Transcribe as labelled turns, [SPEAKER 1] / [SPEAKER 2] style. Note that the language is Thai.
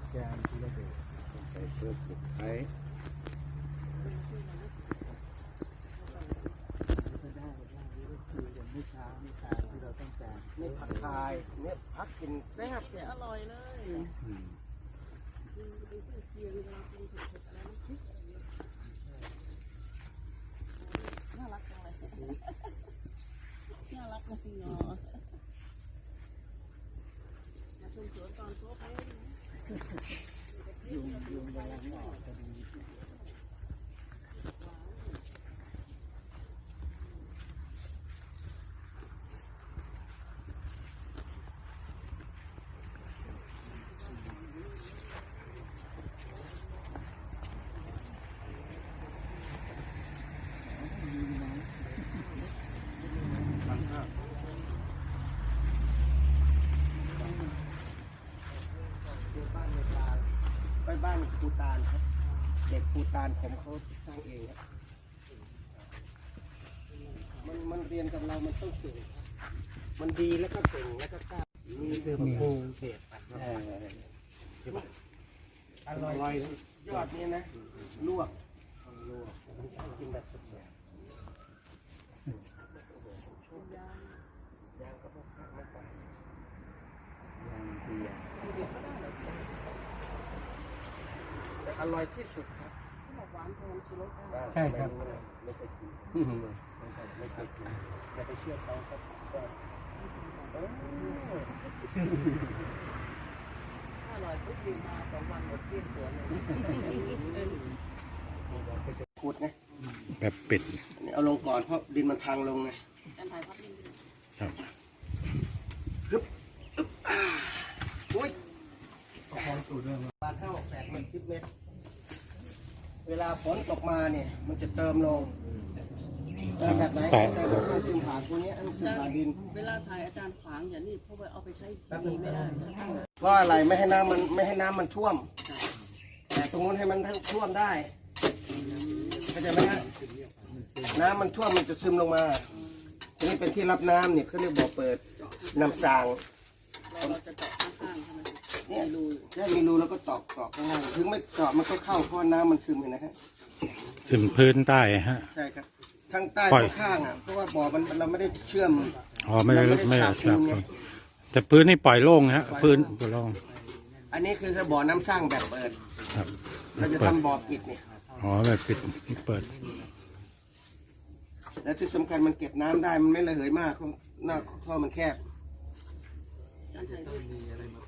[SPEAKER 1] แกนที่เราดูใส่เสื้อผูกไทยนี่ผักคายเนี่ยพักกินแซ่บเนี่ยอร่อยเลย
[SPEAKER 2] น่ารักจังเลยน่ารักนะพี่น้องมาชมสวนตอนโต๊ะไป
[SPEAKER 1] ยุงกำลังออกพอดีไปบ้านปูตานครับเด็กปูตานผมเขาสร้างเองครับมันเรียนกับเรามันต้องเก่งมันดีแล้วก็เก่งแล้วก็กล้านี่คือมะพร้าวเผ็ดอร่อยยอดนี้นะลวกกินแบบสดๆยางก็พอพักมาไปยางเบียร์แต่อร่อยที่สุดครับ
[SPEAKER 2] หวานแทนชิโร่
[SPEAKER 1] ใช่ครับไม่เคยกินไม่เคยกินอย่าไปเชื่อเขาครับ
[SPEAKER 2] อร่อยปุ๊บดีมา2 วันหมดเกลี้ยงสวนเลย
[SPEAKER 1] ขูดไง
[SPEAKER 3] แบบปิด
[SPEAKER 1] อันนี้เอาลงก่อนเพราะดินมันพังลงไง
[SPEAKER 2] การถ่ายภาพนิ่ง
[SPEAKER 3] ครับ
[SPEAKER 1] อุ้ยบาท8 มัน10 เมตรเวลาฝนตกมาเนี่ยมันจะเติมลงแบบไหนแต่ต้องซึมผ่านตรงนี้ซึมผ่านดิน
[SPEAKER 2] เวลาถ่ายอาจารย์ขวางอย่างนี้เพราะว่าเอาไปใช้ดีไม่ได้
[SPEAKER 1] เพราะอะไรไม่ให้น้ำมันท่วม แต่ตรงนู้นให้มันท่วมได้เข้าใจไหมฮะน้ำมันท่วมมันจะซึมลงมาทีนี้เป็นที่รับน้ำเนี่ยเขาเรียกบ่อเปิดน้ำสาง
[SPEAKER 2] เราจะเจาะข้างๆใช่ไหม
[SPEAKER 1] เนี่ยรูแค่มีรูแล้วก็ตอกข้างล่างถึงไม่ตอกมันก็เข้าเพราะน้ำมันซึมเห็นนะฮะ
[SPEAKER 3] ซึมพื้นใต้ฮะ
[SPEAKER 1] ใช่ครับข้างใต้
[SPEAKER 3] ปล่อย
[SPEAKER 1] ข้างๆอ่ะเพราะว่าบ่อมันเราไม่ได้เชื่อม
[SPEAKER 3] อ๋อไม่ได้
[SPEAKER 1] เรา
[SPEAKER 3] ไม่ได้
[SPEAKER 1] ฉาบ
[SPEAKER 3] ครับ
[SPEAKER 1] ปูนไง
[SPEAKER 3] แต่พื้นนี่ปล่อยโล่งฮะพื้นปล่อยโล่ง
[SPEAKER 1] อันนี้คือบ่อน้ำสร้างแบบเปิด
[SPEAKER 3] ครับ
[SPEAKER 1] เราจะ
[SPEAKER 3] เปิด
[SPEAKER 1] ทำบ่อปิดเนี่ย
[SPEAKER 3] อ๋อแบบปิดเปิด
[SPEAKER 1] และที่สำคัญมันเก็บน้ำได้มันไม่ระเหยมากเพราะหน้าท่อมันแคบ
[SPEAKER 2] การถ่ายรูป